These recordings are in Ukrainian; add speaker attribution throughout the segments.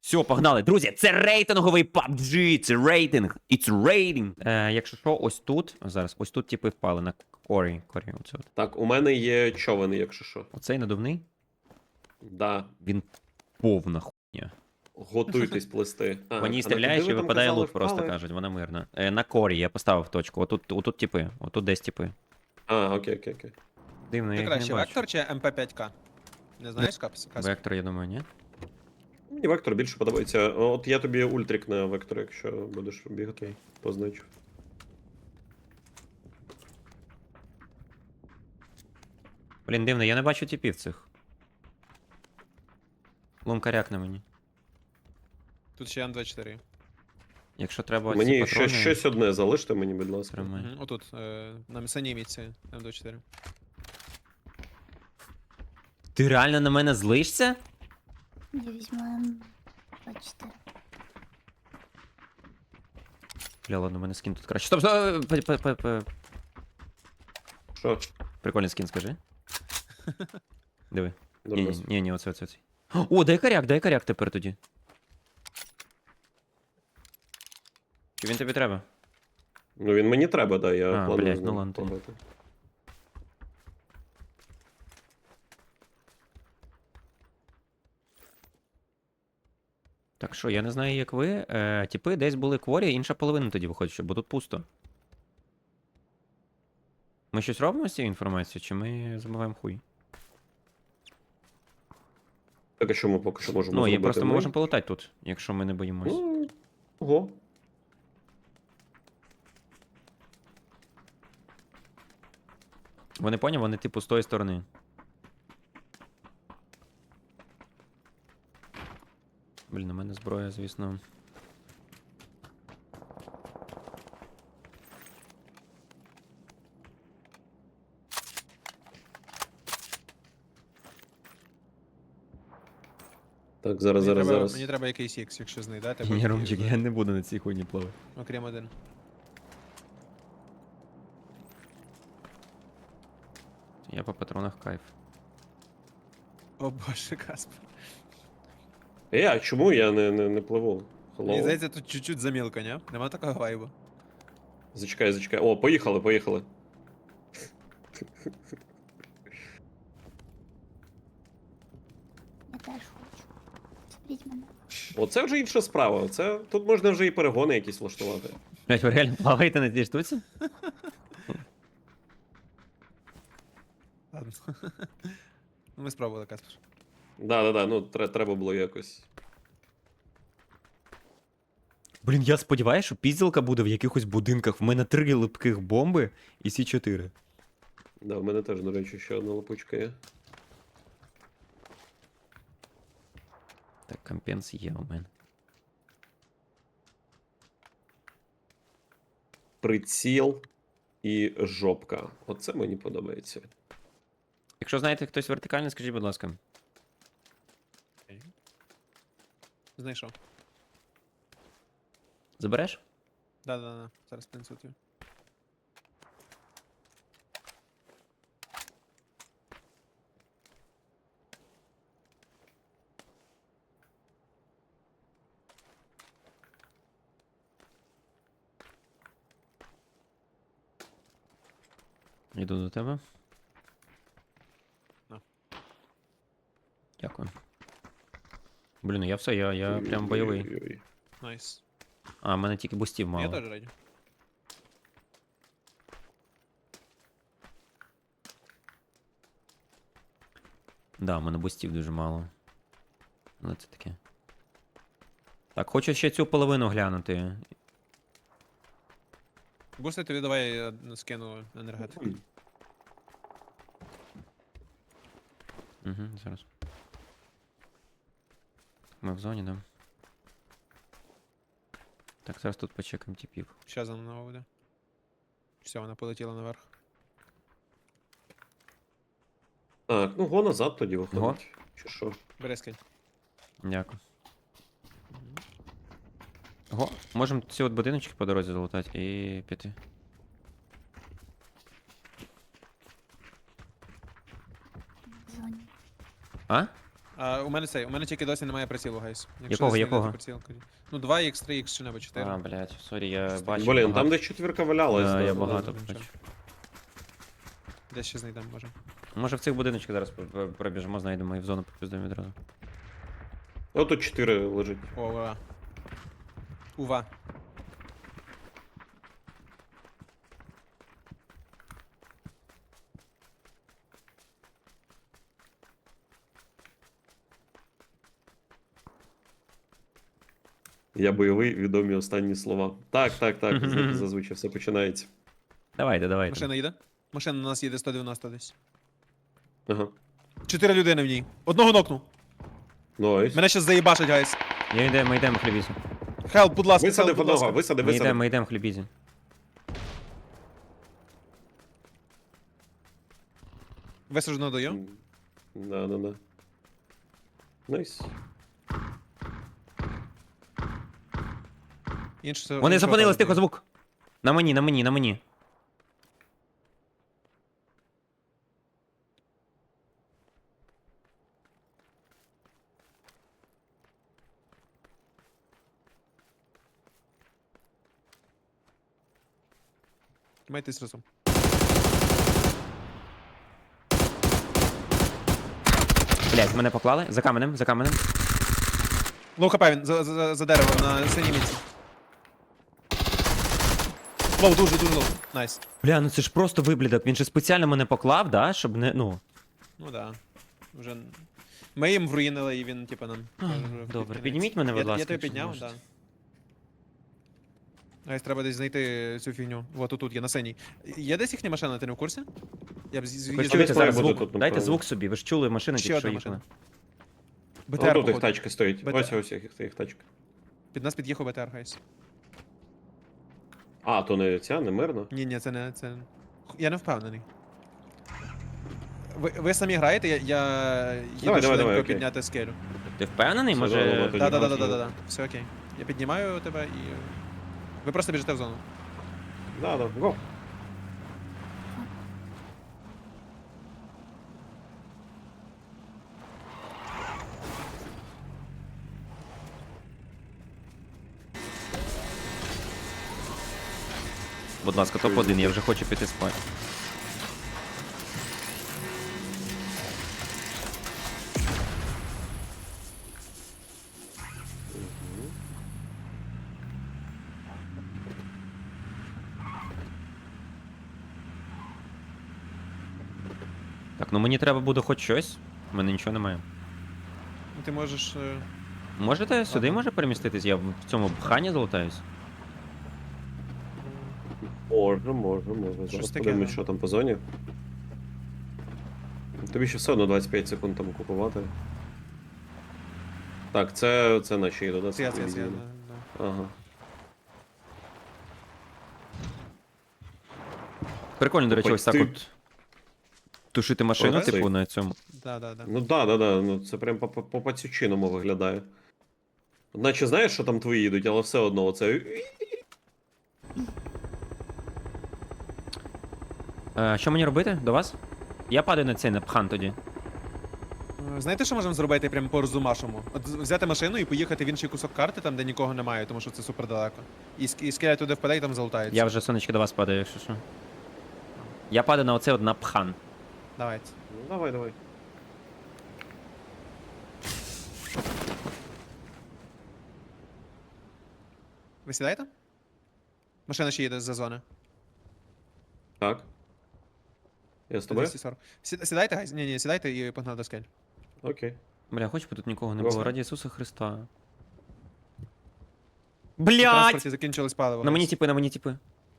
Speaker 1: Все, погнали. Друзі, це рейтинговий PUBG, це рейтинг. It's rating. Якщо що, ось тут, зараз, ось тут типи впали на корі. Оце от.
Speaker 2: Так, у мене є човен, якщо що.
Speaker 1: Оцей надувний,
Speaker 2: Да.
Speaker 1: він повна хуйня.
Speaker 2: Готуйтесь плести.
Speaker 1: По ній
Speaker 2: а
Speaker 1: стріляєш
Speaker 2: куди
Speaker 1: і
Speaker 2: ви там
Speaker 1: випадає
Speaker 2: казали,
Speaker 1: лут, просто
Speaker 2: впали?
Speaker 1: кажуть, вона мирна. На корі я поставив точку. Отут типи, отут десь типи.
Speaker 2: Окей.
Speaker 1: Дивно, я
Speaker 3: Ти
Speaker 1: їх не
Speaker 3: краще
Speaker 1: бачу.
Speaker 3: Вектор чи МП5К? Не знаєш, Капс?
Speaker 1: Вектор, я думаю, ні.
Speaker 2: Мені вектор більше подобається. От я тобі ультрик на вектор, якщо будеш бігати, позначу.
Speaker 1: Блін, дивно, я не бачу типів цих. Лункаряк на мені.
Speaker 3: Тут ще М24.
Speaker 1: Якщо треба ці
Speaker 2: Мені
Speaker 1: патрони...
Speaker 2: щось одне залиште мені, будь ласка.
Speaker 1: Тримай.
Speaker 3: Отут, на самій мітці М24.
Speaker 1: Ти реально на мене злишся?
Speaker 4: Я візьму М24.
Speaker 1: Бля, ладно, у мене скін тут краще. Стоп!
Speaker 2: Що?
Speaker 1: Прикольний скін, скажи. Диви.
Speaker 2: Дурнос.
Speaker 1: Ні, оце. О, дай коряк тепер тоді. Чи він тобі треба?
Speaker 2: Ну він мені треба, да, я
Speaker 1: А,
Speaker 2: планую
Speaker 1: блядь,
Speaker 2: з
Speaker 1: ну
Speaker 2: ним
Speaker 1: ладно тоді.
Speaker 2: пограти.
Speaker 1: Так що, я не знаю, як ви. Типи десь були кворі, інша половина тоді виходить, що, бо тут пусто. Ми щось робимо з цією інформацією, чи ми забуваємо хуй?
Speaker 2: Так, а що ми поки що можемо
Speaker 1: Ну, і
Speaker 2: зробити?
Speaker 1: просто ми можемо полетати тут, якщо ми не боїмось.
Speaker 2: Ну, ого.
Speaker 1: Вони поняв, вони типу з тої сторони. Блін, у мене зброя, звісно.
Speaker 2: Так, зараз.
Speaker 3: Мені треба якийсь X, якщо знайдете.
Speaker 1: Ні, Ромчик, я не буду на цій хуйні плавати.
Speaker 3: Окрім один.
Speaker 1: Я по патронах кайф.
Speaker 3: О боже, Каспер.
Speaker 2: А чому я не пливу?
Speaker 3: Мені
Speaker 2: Hello?
Speaker 3: здається, тут чуть-чуть замілка, ні? Нема такого вайбу.
Speaker 2: Зачекай. О, поїхали.
Speaker 4: Я теж хочу. Заберіть мене.
Speaker 2: Оце вже інша справа. Тут можна вже і перегони якісь влаштувати.
Speaker 1: Блять, ви реально плаваєте на цій штуці?
Speaker 3: Ладно. Ну, ми спробували, Каспер.
Speaker 2: Да, ну треба було якось.
Speaker 1: Блін, я сподіваюся, що пізділка буде в якихось будинках. В мене 3 липких бомби і сі 4.
Speaker 2: Да, в мене теж, до речі, ще одна лапучка є.
Speaker 1: Так, компенс є у мене.
Speaker 2: Приціл і жопка. Оце мені подобається.
Speaker 1: Якщо знаєте хтось вертикальний, скажіть, будь ласка.
Speaker 3: Знайшов.
Speaker 1: Забереш?
Speaker 3: Да. Зараз принесу тобі.
Speaker 1: Йду до тебе.
Speaker 3: На.
Speaker 1: Дякую. Блін, я все, я прям бойовий.
Speaker 2: Ой-ой-ой.
Speaker 3: Найс.
Speaker 1: А, в мене тільки бустів мало.
Speaker 3: Я теж раді.
Speaker 1: Да, в мене бустів дуже мало. Але це таке. Так, хочу ще цю половину глянути.
Speaker 3: Бусти тобі давай я скину енергетику.
Speaker 1: Угу, зараз. Ми в зоні, да? Так, зараз тут почекаємо типів.
Speaker 3: Ще за мною буде. Все, вона полетіла наверх.
Speaker 2: Так, ну го назад тоді
Speaker 1: Го?
Speaker 2: виходить. Чи що?
Speaker 3: Бери скинь.
Speaker 1: Дякую. Ого, можемо ці от будиночки по дорозі залутати і піти.
Speaker 4: В зоні.
Speaker 1: А?
Speaker 3: У мене тільки досі немає прицілу, гайс.
Speaker 1: Якого, якого?
Speaker 3: Ну, 2х, 3х чи небудь 4.
Speaker 1: А, блядь, сорі, я бачу.
Speaker 2: Блін,
Speaker 1: багато.
Speaker 2: там десь четвірка валялась.
Speaker 1: Да, я
Speaker 2: да,
Speaker 1: багато
Speaker 3: да,
Speaker 1: бачу.
Speaker 3: Десь ще знайдемо, може.
Speaker 1: Може в цих будиночках зараз пробіжимо, знайдемо і в зону попіздуємо відразу.
Speaker 2: О, тут 4 лежить.
Speaker 3: О, ува. Ува.
Speaker 2: Я бойовий, відомі останні слова. Так, зазвичай все починається.
Speaker 1: Давайте.
Speaker 3: Машина їде? Машина на нас їде 190 десь.
Speaker 2: Ага.
Speaker 3: 4 людини в ній. Одного нокнув.
Speaker 2: Найс.
Speaker 3: Мене щас заїбашить, гайс.
Speaker 1: Ми йдемо хлібізі.
Speaker 3: Хелп, будь ласка,
Speaker 2: Висадив
Speaker 3: будь ласка.
Speaker 2: одного, висадив.
Speaker 1: Ми йдемо хлібізі.
Speaker 3: Висаджено даю.
Speaker 2: Да. Найс.
Speaker 1: Вони зупинились, тихо, звук. На мені.
Speaker 3: Майтесь разом.
Speaker 1: Блядь, мене поклали. За каменем.
Speaker 3: Лоу хп він, за деревом на синій місці. Лоу, дуже лоу. Найс.
Speaker 1: Бля, ну це ж просто виблідок. Він же спеціально мене поклав, да, щоб не, ну.
Speaker 3: Ну да. Вже... Ми їм вруїнили і він, типа, нам... каже, вже
Speaker 1: Добре,
Speaker 3: кінець.
Speaker 1: підніміть мене, будь ласка.
Speaker 3: Я тебе
Speaker 1: якщо
Speaker 3: підняв,
Speaker 1: можете.
Speaker 3: да. Гайс, треба десь знайти цю фігню. Вот тут є, на синій. Є десь їхня машина, ти не в курсі? Я б
Speaker 1: Ви ж
Speaker 3: з'їздив.
Speaker 1: чуєте
Speaker 2: десь
Speaker 1: зараз
Speaker 2: має бути
Speaker 1: звук?
Speaker 2: тут,
Speaker 1: Дайте
Speaker 2: напевно.
Speaker 1: звук собі, ви ж чули машини,
Speaker 3: Ще
Speaker 1: тільки що
Speaker 3: одна
Speaker 1: їхали.
Speaker 3: БТР,
Speaker 2: О, тут їх
Speaker 3: походу.
Speaker 2: тачка стоїть.
Speaker 3: БТР.
Speaker 2: Ось їх тачка.
Speaker 3: Під нас під'їхав БТР, гайс.
Speaker 2: А, то не ця, не мирна.
Speaker 3: Ні, це не... Я не впевнений. Ви самі граєте, я їду
Speaker 2: Давай,
Speaker 3: швиденько
Speaker 2: окей.
Speaker 3: підняти скелю.
Speaker 1: Ти впевнений?
Speaker 2: Все,
Speaker 1: Може.
Speaker 2: добре, тоді
Speaker 3: Да. Все окей. Я піднімаю тебе і... Ви просто біжите в зону.
Speaker 2: Да, го.
Speaker 1: Будь ласка, топ-1, я вже хочу піти спати. Так, ну мені треба буде хоч щось. У мене нічого немає.
Speaker 3: Ну, ти можеш...
Speaker 1: Можете сюди
Speaker 3: Ага.
Speaker 1: може переміститись? Я в цьому бхані залутаюсь.
Speaker 2: Може. Зараз
Speaker 3: таке,
Speaker 2: подивимось,
Speaker 3: да.
Speaker 2: що там по зоні. Тобі ще все одно 25 секунд там купувати. Так, це наші їдуть, да?
Speaker 3: Це я.
Speaker 2: телевізійні?
Speaker 3: Да.
Speaker 2: Ага.
Speaker 1: Прикольно, до речі,
Speaker 2: Ой,
Speaker 1: ось так
Speaker 2: ти-
Speaker 1: от. Тушити машину,
Speaker 2: Оце.
Speaker 1: типу, на цьому.
Speaker 3: Да.
Speaker 2: Ну да. Ну це прям по пацючиному виглядає. Наче знаєш, що там твої їдуть, але все одно оце.
Speaker 1: Що мені робити? До вас? Я падаю на цей на пхан тоді.
Speaker 3: Знаєте, що можемо зробити прямо по розумашому? От взяти машину і поїхати в інший кусок карти, там де нікого немає, тому що це супер далеко. І скеля туди впаде і там залутається.
Speaker 1: Я вже сонечки до вас падаю, якщо що. Я падаю на оце от на пхан.
Speaker 3: Давайте.
Speaker 2: Ну, давай.
Speaker 3: Ви сідаєте? Машина ще їде з-за зони.
Speaker 2: Так. Я з тобою?
Speaker 3: 240. Сідайте, гайз? Ні, сідайте і погнали до скель.
Speaker 2: Окей.
Speaker 1: Бля, хоч би тут нікого не
Speaker 2: Добре.
Speaker 1: було. Раді Ісуса Христа.
Speaker 3: На
Speaker 1: Блядь!
Speaker 3: транспорті закінчилось паливо.
Speaker 1: На мені
Speaker 3: гайз.
Speaker 1: тіпи.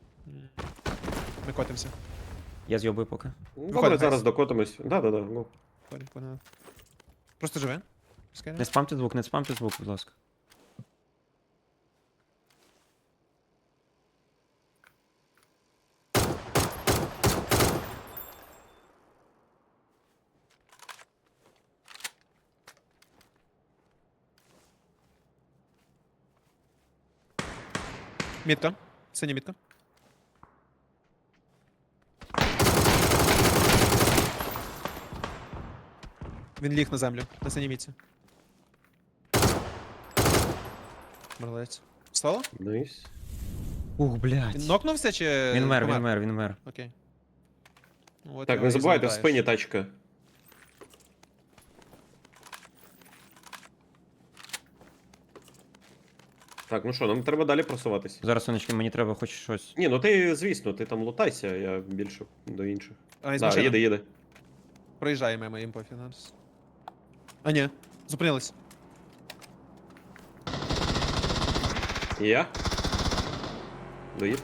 Speaker 3: Ми котимося.
Speaker 1: Я з'йобую поки.
Speaker 2: Ну,
Speaker 3: Виходимо,
Speaker 2: добре,
Speaker 3: гайз.
Speaker 2: зараз докотимось. Да. Ну.
Speaker 3: Погнали. Просто живе. Скель.
Speaker 1: Не спамте звук, будь ласка.
Speaker 3: Мітка. Синя мітка. Він ліг на землю, на синій міці. Молодець. Встало?
Speaker 2: Найс.
Speaker 1: Ух, блядь.
Speaker 3: Він нокнувся чи.
Speaker 1: Він мер,
Speaker 3: помер?
Speaker 1: він мер, він мер.
Speaker 3: Окей. Ну, от
Speaker 2: Так,
Speaker 3: його
Speaker 2: не
Speaker 3: і
Speaker 2: забувайте, в
Speaker 3: залутаєш.
Speaker 2: спині тачка. Так, ну що, нам треба далі просуватися.
Speaker 1: Зараз, сонечки, мені треба хоч щось.
Speaker 2: Ні, ну ти, звісно, ти там лутайся, я більше до інших.
Speaker 3: А, із
Speaker 2: Да,
Speaker 3: машини.
Speaker 2: їде.
Speaker 3: Проїжджає мимо їм пофіг нас. А ні, зупинились.
Speaker 2: І я? Доїд.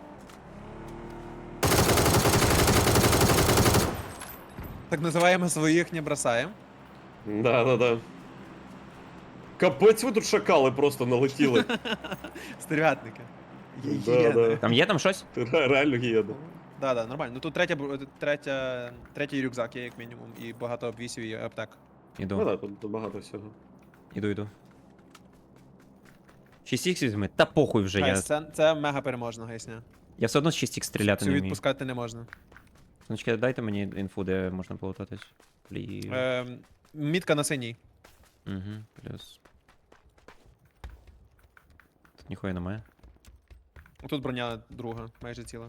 Speaker 3: Так називаємо своїх не бросаємо.
Speaker 2: Да. Капець, ви тут шакали просто налетіли.
Speaker 3: Стервятники.
Speaker 2: Да.
Speaker 1: Там є там щось?
Speaker 2: Реально гієда.
Speaker 3: Да, нормально. Ну тут третій рюкзак є, як мінімум, і багато обвісів і аптек.
Speaker 2: Ну
Speaker 1: Іду,
Speaker 2: да, тут багато всього.
Speaker 1: іду. 6х візьми? Та похуй вже,
Speaker 3: Гайс, це мега переможна, гайсня.
Speaker 1: я все одно з 6х стріляти
Speaker 3: Цю
Speaker 1: не вмію.
Speaker 3: відпускати не можна.
Speaker 1: Сонечки, дайте мені інфу, де можна полутатись.
Speaker 3: Мітка на синій.
Speaker 1: Угу, плюс. Тут ніхуя немає.
Speaker 3: Тут броня друга, майже ціла.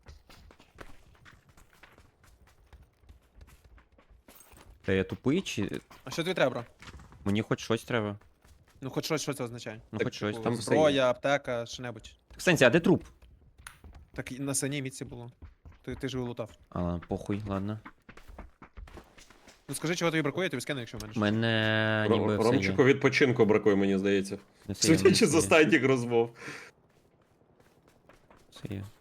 Speaker 1: Та я тупий чи.
Speaker 3: А що тобі треба, бро?
Speaker 1: Мені хоч щось треба.
Speaker 3: Ну хоч щось, що це означає?
Speaker 1: Ну
Speaker 2: Так,
Speaker 1: хоч щось.
Speaker 2: там
Speaker 1: Там...
Speaker 2: все
Speaker 3: Зброя, аптека, що-небудь.
Speaker 1: В сенсі, а де труп?
Speaker 3: Так і на синій мітці було. Ти ж його лутав.
Speaker 1: А, ладно, похуй, ладно.
Speaker 3: Ну скажи, чого тобі бракує, я тобі скину, якщо в мене.
Speaker 1: У
Speaker 3: щось.
Speaker 1: мене ніби все
Speaker 2: Ромчику
Speaker 1: є.
Speaker 2: відпочинку бракує, мені здається.
Speaker 1: Не все є,
Speaker 2: Судячи з
Speaker 1: все є,
Speaker 2: останніх розмов.
Speaker 1: все є.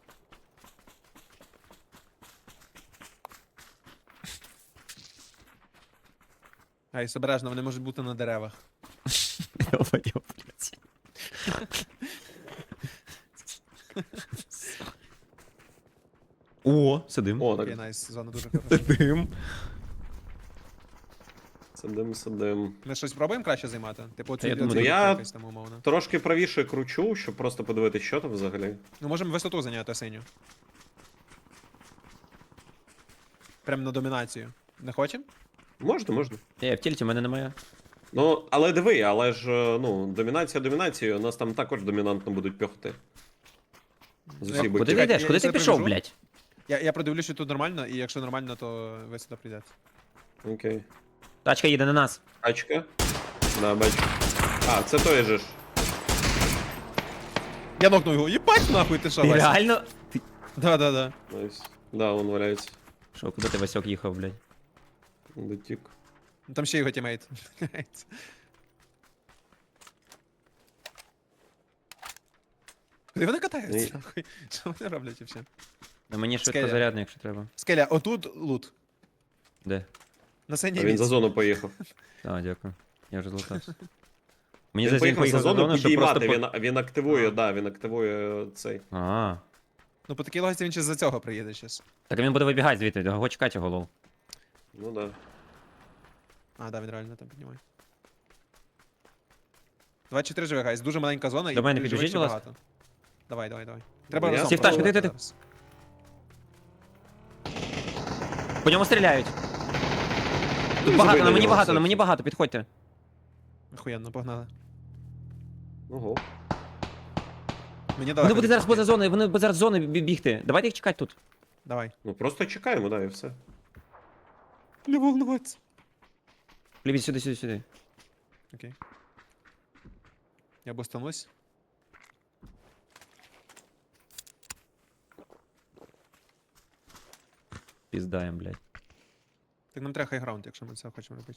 Speaker 3: Гайс, обережно, вони можуть бути на деревах.
Speaker 1: Йо-моє, блядь. О, сидим.
Speaker 2: О,
Speaker 3: Окей,
Speaker 2: так,
Speaker 3: найс, зона дуже хороша.
Speaker 1: Сидим.
Speaker 2: сидим.
Speaker 3: Ми щось пробуємо краще займати? Типу,
Speaker 1: я думаю,
Speaker 3: оцю
Speaker 2: я-
Speaker 3: якось там умовно.
Speaker 2: Трошки правіше кручу, щоб просто подивитися, що там взагалі.
Speaker 3: Ну можемо висоту зайняти синю. Прям на домінацію. Не хочемо?
Speaker 2: Можна.
Speaker 1: В тільті в мене немає.
Speaker 2: Ну, але диви, але ж, ну, домінація домінацією, нас там також домінантно будуть пьохти. З усіх
Speaker 3: Куди
Speaker 1: Куди
Speaker 2: боків.
Speaker 1: ти йдеш?
Speaker 3: я
Speaker 1: Куди ти
Speaker 3: це
Speaker 1: пішов,
Speaker 3: привожу.
Speaker 1: блядь?
Speaker 3: Я продивлюсь, що тут нормально, і якщо нормально, то висота прийде.
Speaker 2: Окей.
Speaker 1: Тачка їде на нас.
Speaker 2: Тачка. Да, бачу. А, це той же ж.
Speaker 3: Я нокнув його. Єбать нахуй, ти що,
Speaker 1: Ти
Speaker 3: Вася?
Speaker 1: реально?
Speaker 3: Да.
Speaker 2: Найс. Да, він валяється.
Speaker 1: Що, куди ти Васьок їхав, блядь?
Speaker 2: Дотік.
Speaker 3: Ну, там ще його тімейт. Куди вони
Speaker 2: Ні.
Speaker 3: катаються? Нахуй? Що вони роблять взагалі?
Speaker 1: На мені
Speaker 3: Скеля.
Speaker 1: швидкозарядний, якщо треба.
Speaker 3: Скеля, отут лут.
Speaker 1: Де?
Speaker 3: На синій
Speaker 2: А він за
Speaker 3: місці.
Speaker 2: зону поїхав.
Speaker 1: А, дякую. Я вже злутався. Мені
Speaker 2: Він
Speaker 1: здається,
Speaker 2: поїхав за зону
Speaker 1: щоб просто
Speaker 2: підіймати, він активує, да, він активує цей.
Speaker 1: А.
Speaker 3: Ну по такій логіці він ще за цього приїде щас.
Speaker 1: Так він буде вибігати звідти, його чекати його лол.
Speaker 2: Ну да.
Speaker 3: А, да, він реально там піднімає. 24 живе, гайс. Дуже маленька зона
Speaker 1: До мене
Speaker 3: живих
Speaker 1: підбіжіть,
Speaker 3: ще
Speaker 1: будь ласка.
Speaker 3: багато. Давай. Треба
Speaker 2: Я-
Speaker 3: разом.
Speaker 2: Стів,
Speaker 1: тачку,
Speaker 3: пробувати
Speaker 1: ти.
Speaker 3: зараз.
Speaker 1: По ньому стріляють. Тут
Speaker 2: Ну,
Speaker 1: багато,
Speaker 2: забий
Speaker 1: на
Speaker 2: на
Speaker 1: мені
Speaker 2: нього,
Speaker 1: багато, на
Speaker 2: все.
Speaker 1: мені багато, підходьте.
Speaker 3: Охуєнно, погнали.
Speaker 2: Ого.
Speaker 3: Мені
Speaker 1: Вони
Speaker 3: далеко.
Speaker 1: будуть зараз поза зоною, вони будуть зараз з зони бігти. Давайте їх чекати тут.
Speaker 3: Давай.
Speaker 2: Ну просто чекаємо, да, і все.
Speaker 3: Не волнуватися.
Speaker 1: Лівіть сюди.
Speaker 3: Окей. Я бустанусь.
Speaker 1: Піздаєм, блядь.
Speaker 3: Так нам треба хайграунд, якщо ми це хочемо робити.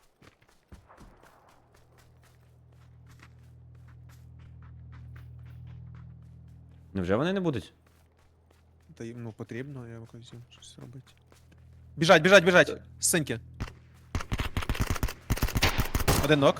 Speaker 1: Невже вони не будуть?
Speaker 3: Та їм ну потрібно, я якось їм щось робити. Біжать! З синьки. Один нок.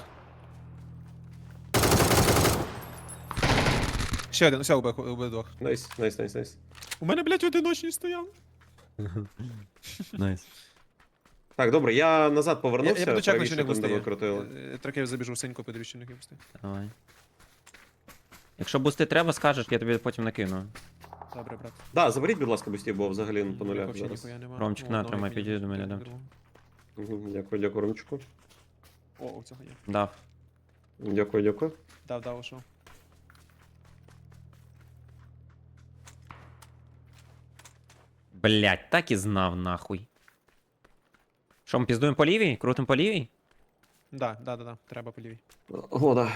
Speaker 3: Ще один, все, убив двох.
Speaker 2: Найс.
Speaker 3: У мене, блядь, одиночний стояв.
Speaker 1: Найс.
Speaker 2: Так, добре, я назад
Speaker 3: Я
Speaker 2: повернувся,
Speaker 3: буду чекати, що
Speaker 2: правіше
Speaker 3: не
Speaker 2: там, де ви
Speaker 3: бустає.
Speaker 2: крутили.
Speaker 3: Трохи забіжу в синьку, подивлюсь, що не бустає.
Speaker 1: Давай. Якщо бусти треба, скажеш, я тобі потім накину.
Speaker 3: Добре, брат.
Speaker 2: Да, заберіть, будь ласка, бустів, бо взагалі по нулях
Speaker 3: Взагалі
Speaker 2: зараз.
Speaker 3: ніхуя нема.
Speaker 1: Ромчик,
Speaker 3: О,
Speaker 1: на,
Speaker 3: одного
Speaker 1: тримай,
Speaker 3: як
Speaker 1: підійди до
Speaker 3: мінімум,
Speaker 1: мене,
Speaker 3: я
Speaker 1: дам.
Speaker 3: беру.
Speaker 2: Дякую, дякую, Ромчику.
Speaker 3: О, у цього є.
Speaker 1: Дав.
Speaker 2: Дякую, дякую.
Speaker 3: Дав, ушов.
Speaker 1: Блять, так і знав нахуй. Що, ми піздуємо по лівій? Крутим по лівій?
Speaker 3: Да. Треба по лівій.
Speaker 2: О, да.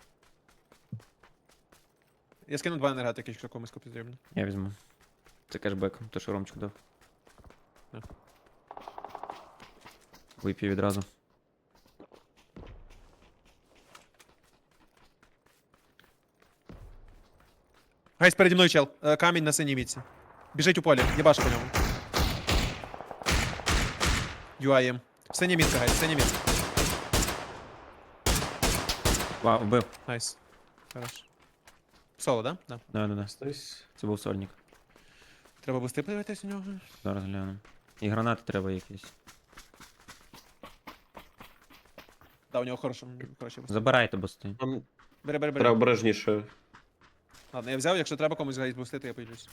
Speaker 3: Я скину 2 енергетики, якщо комусь потрібно.
Speaker 1: Я візьму. Це кешбек, то що Ромчик дав.
Speaker 3: Да.
Speaker 1: Вип'ю відразу.
Speaker 3: Гайс, переді мною чел. Камінь на синій мітці. Біжить у полі, єбаш по ньому. UIM. Синя мітка, гайс, синя мітка.
Speaker 1: Вау, вбив.
Speaker 3: Найс. Хорош. Соло, да? Да.
Speaker 1: Да.
Speaker 2: Стась.
Speaker 1: Це був сольник.
Speaker 3: Треба бусти подивитись у нього.
Speaker 1: Зараз гляну. І гранати треба якісь.
Speaker 3: Да, у нього хорошо бусти.
Speaker 1: Забирайте бусти.
Speaker 2: Там
Speaker 3: Бери.
Speaker 2: треба обережніше.
Speaker 3: Ладно, я взяв, якщо треба комусь гайс бустити, я поїдусь.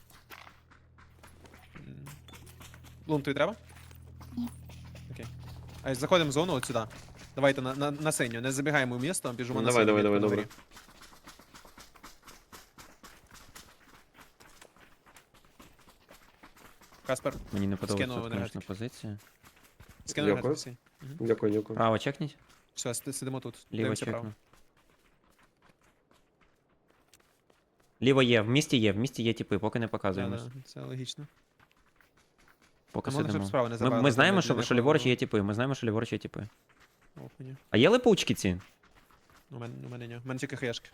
Speaker 3: Лун, тобі треба?
Speaker 4: Ні.
Speaker 3: Окей. А заходимо в зону от сюди. Давайте на синю, не забігаємо в місто, біжимо на
Speaker 2: Давай,
Speaker 3: синю.
Speaker 2: давай,
Speaker 3: мітку
Speaker 2: добре.
Speaker 3: на горі. Каспер,
Speaker 1: Мені не подобається,
Speaker 3: Скинув
Speaker 1: тут, конечно,
Speaker 3: енергетики.
Speaker 1: позиція.
Speaker 3: скинув
Speaker 2: Дякую.
Speaker 3: енергетики.
Speaker 2: Дякую, дякую.
Speaker 1: Право чекніть.
Speaker 3: Все, сидимо тут.
Speaker 1: Ліво
Speaker 3: Дивимося право.
Speaker 1: чекну. Ліво є, в місті є типи, поки не
Speaker 3: Да,
Speaker 1: показуємось.
Speaker 3: да, це логічно.
Speaker 1: Поки
Speaker 3: А можна, щоб
Speaker 1: сидимо.
Speaker 3: справа не забрали,
Speaker 1: Ми
Speaker 3: там
Speaker 1: знаємо,
Speaker 3: для
Speaker 1: що
Speaker 3: якого-
Speaker 1: ліворуч є типи, ми знаємо, що ліворуч є типи.
Speaker 3: Охуєнно.
Speaker 1: А є липучки ці?
Speaker 3: У мене ні. У мене тільки хаєшки.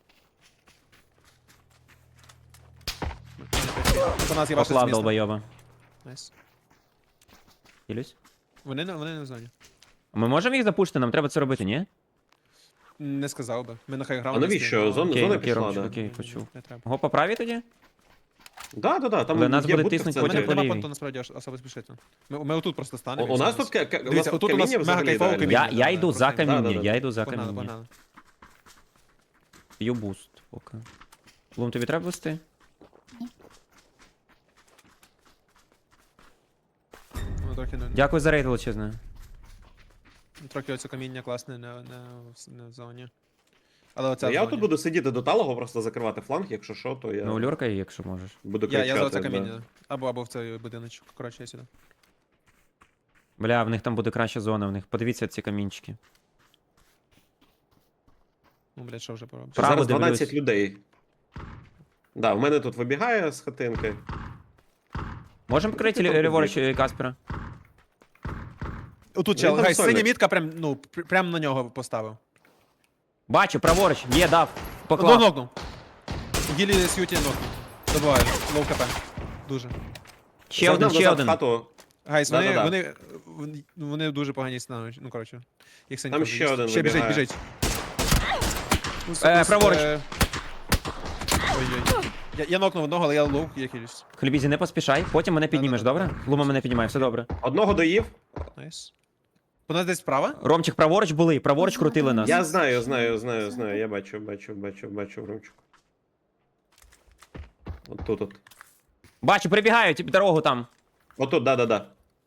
Speaker 3: По нас є ваше
Speaker 1: Поклав
Speaker 3: зміст.
Speaker 1: долбойоба.
Speaker 3: Найс.
Speaker 1: Хилюсь.
Speaker 3: Вони не в зоні.
Speaker 1: А ми можемо їх запушити, нам треба це робити, ні?
Speaker 3: Не сказав би. Ми на
Speaker 2: А
Speaker 3: хайграунді.
Speaker 2: навіщо? Зона
Speaker 1: Окей, окей,
Speaker 2: пішла,
Speaker 1: Ромчик,
Speaker 2: да.
Speaker 1: окей, почув.
Speaker 3: Не треба.
Speaker 1: Го по правій тоді?
Speaker 2: Да, там
Speaker 1: Але нас
Speaker 2: є
Speaker 1: буде
Speaker 2: будка в
Speaker 1: тиснуть
Speaker 3: У мене
Speaker 2: центрі.
Speaker 1: потім
Speaker 3: нема
Speaker 1: лівій.
Speaker 3: понту насправді особо спішити. Ми отут просто станемо.
Speaker 2: У
Speaker 3: і
Speaker 2: нас
Speaker 3: все.
Speaker 2: тут у нас
Speaker 3: Дивіться,
Speaker 2: тут
Speaker 3: отут у нас
Speaker 2: каміння
Speaker 3: мега
Speaker 2: взагалі
Speaker 3: кайфове
Speaker 2: ідеально.
Speaker 3: каміння.
Speaker 1: Я йду за
Speaker 3: просто-
Speaker 1: каміння,
Speaker 2: Да.
Speaker 1: я йду за
Speaker 3: Погнали,
Speaker 1: каміння.
Speaker 3: погнали.
Speaker 1: П'ю буст поки. Лум, тобі треба вести?
Speaker 3: Ну, трохи не.
Speaker 1: Дякую за рейд величезне.
Speaker 3: Трохи оце каміння класне не в зоні. Але оце в
Speaker 2: Я
Speaker 3: зоні.
Speaker 2: тут буду сидіти до талого, просто закривати фланг, якщо що, то я
Speaker 1: Ну, люркай, якщо можеш.
Speaker 2: буду
Speaker 3: Я
Speaker 2: кричати.
Speaker 3: за оце
Speaker 2: да.
Speaker 3: каміння. Або в цей будиночок. Коротше, я сюди.
Speaker 1: Бля, в них там буде краща зона, в них. Подивіться ці камінчики.
Speaker 3: Ну, блядь, що вже поробиш?
Speaker 1: Право
Speaker 2: Зараз 12
Speaker 1: дивлюсь.
Speaker 2: людей. Да, в мене тут вибігає з хатинки.
Speaker 1: Можемо
Speaker 2: Ти
Speaker 1: покрити
Speaker 2: там
Speaker 1: ліворуч
Speaker 2: побіг.
Speaker 1: Каспера?
Speaker 3: Отут
Speaker 2: Він
Speaker 3: чел,
Speaker 2: там
Speaker 3: гай,
Speaker 2: сольник.
Speaker 3: синя мітка прям на нього поставив.
Speaker 1: Бачу, праворуч, є, дав.
Speaker 3: Одного
Speaker 1: Поклав.
Speaker 3: нокнув. Гілі с'юті нокнув. Добиваю. Лоу КП. Дуже.
Speaker 1: Ще один,
Speaker 2: Загнав
Speaker 1: ще
Speaker 2: назад в
Speaker 1: один.
Speaker 2: Хату.
Speaker 3: Гайс,
Speaker 2: Да-да-да.
Speaker 3: вони дуже погані становлять. Ну, коротше. Їх синька
Speaker 2: Там
Speaker 3: вже
Speaker 2: ще
Speaker 3: є.
Speaker 2: один
Speaker 3: Ще біжить,
Speaker 2: вибігає.
Speaker 3: біжить.
Speaker 1: Праворуч.
Speaker 3: Ой-ой. Я нокнув одного, але я лоу, я хилюсь.
Speaker 1: Хлібізі, не поспішай, потім мене піднімеш,
Speaker 3: Да-да-да.
Speaker 1: добре? Лума мене піднімає, все добре.
Speaker 2: Одного доїв.
Speaker 3: Найс. У нас десь справа?
Speaker 1: Ромчик, праворуч були, праворуч крутили нас.
Speaker 2: Я знаю. Я бачу, Ромчик. От тут, от.
Speaker 1: Бачу, прибігають, типу, дорогу там.
Speaker 2: Отут, да.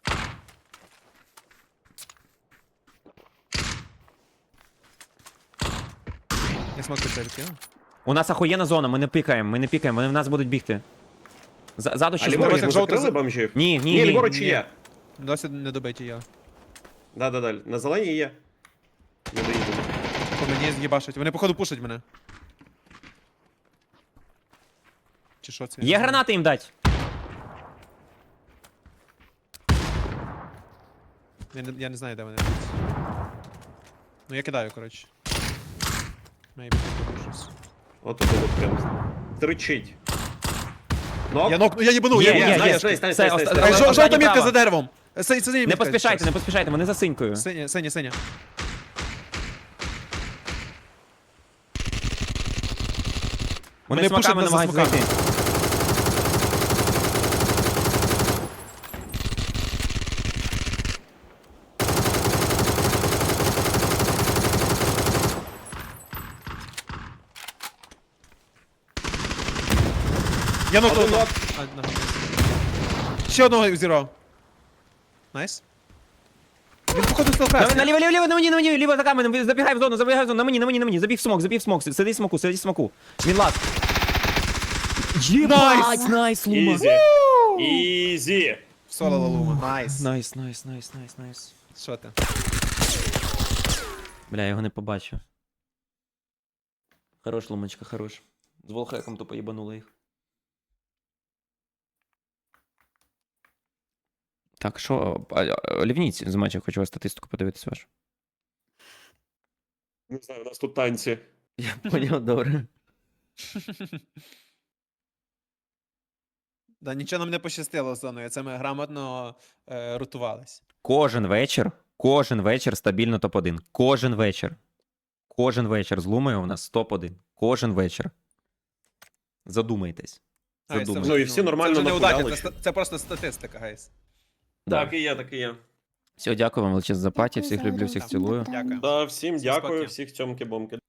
Speaker 3: Я смог це відкинув.
Speaker 1: У нас ахуєнна зона, ми не пікаємо, вони в нас будуть бігти. Ззаду
Speaker 2: А
Speaker 1: ще
Speaker 2: ліворуч
Speaker 3: як
Speaker 2: ми
Speaker 3: жовто
Speaker 2: закрили
Speaker 3: за-
Speaker 2: бомжів?
Speaker 1: Ні,
Speaker 2: Ні, ліворуч
Speaker 3: ні.
Speaker 2: є.
Speaker 3: Досі не добиті я.
Speaker 2: Да. На зеленій є. Не доїду.
Speaker 3: По мені з'їбашать. Вони походу пушать мене. Чи що це?
Speaker 1: Є гранати їм дать.
Speaker 3: Я не знаю, де вони. Ну я кидаю, коротше. Maybe щось.
Speaker 2: Отут прям. Тричить. Нок.
Speaker 3: Я їбанув,
Speaker 1: Є,
Speaker 3: я
Speaker 1: є,
Speaker 3: знаю.
Speaker 1: є.
Speaker 2: Стань.
Speaker 1: Все,
Speaker 3: Ай,
Speaker 1: останній
Speaker 3: жовта мітка
Speaker 1: права.
Speaker 3: за деревом. Синя
Speaker 1: Не
Speaker 3: мітка.
Speaker 1: поспішайте, вони за синькою.
Speaker 3: Синя.
Speaker 1: Вони
Speaker 3: Вони пушать
Speaker 1: смаками
Speaker 3: нас за
Speaker 1: намагаються
Speaker 3: смаками.
Speaker 1: зайти.
Speaker 3: Я нокнув.
Speaker 2: Один нок.
Speaker 3: Ще одного зірвав. Найс. Він походу
Speaker 1: На,
Speaker 3: стелкрас.
Speaker 1: наліво, ліво, на мені, ліво за каменем, забігай в зону, на мені, забіг в смок, сиди в смоку. Він лаз. Єбать, найс, Лума.
Speaker 2: Ізі. Ізі.
Speaker 3: Соло Лалума. Найс.
Speaker 1: Найс.
Speaker 3: Що ти?
Speaker 1: Бля, я його не побачив. Хорош, Лумочка, хорош. З волхеком тупо їбанули їх. Так, що, Лівніці з матча, хочу вас статистику подивитися вашу.
Speaker 2: Не знаю, у нас тут танці.
Speaker 1: Я поняв, добре.
Speaker 3: Да, нічого нам не пощастило з зоною, це ми грамотно рутувались.
Speaker 1: Кожен вечір стабільно топ-1. Кожен вечір з Лумою у нас топ-1. Кожен вечір. Задумайтесь.
Speaker 3: Гайс, це вже,
Speaker 2: Ну, і всі нормально
Speaker 3: це вже не
Speaker 2: нахуяли,
Speaker 3: удача,
Speaker 2: чи?
Speaker 3: це просто статистика, гайс.
Speaker 1: Да.
Speaker 2: Так і є, так і є.
Speaker 1: Все, дякую вам величезно за паті,
Speaker 4: Дякую
Speaker 1: всіх
Speaker 4: за
Speaker 1: люблю,
Speaker 4: гру.
Speaker 1: всіх цілую.
Speaker 3: Дякую.
Speaker 2: Да, всім
Speaker 3: Всім
Speaker 2: дякую,
Speaker 3: спокій.
Speaker 2: всіх цьомки-бомки.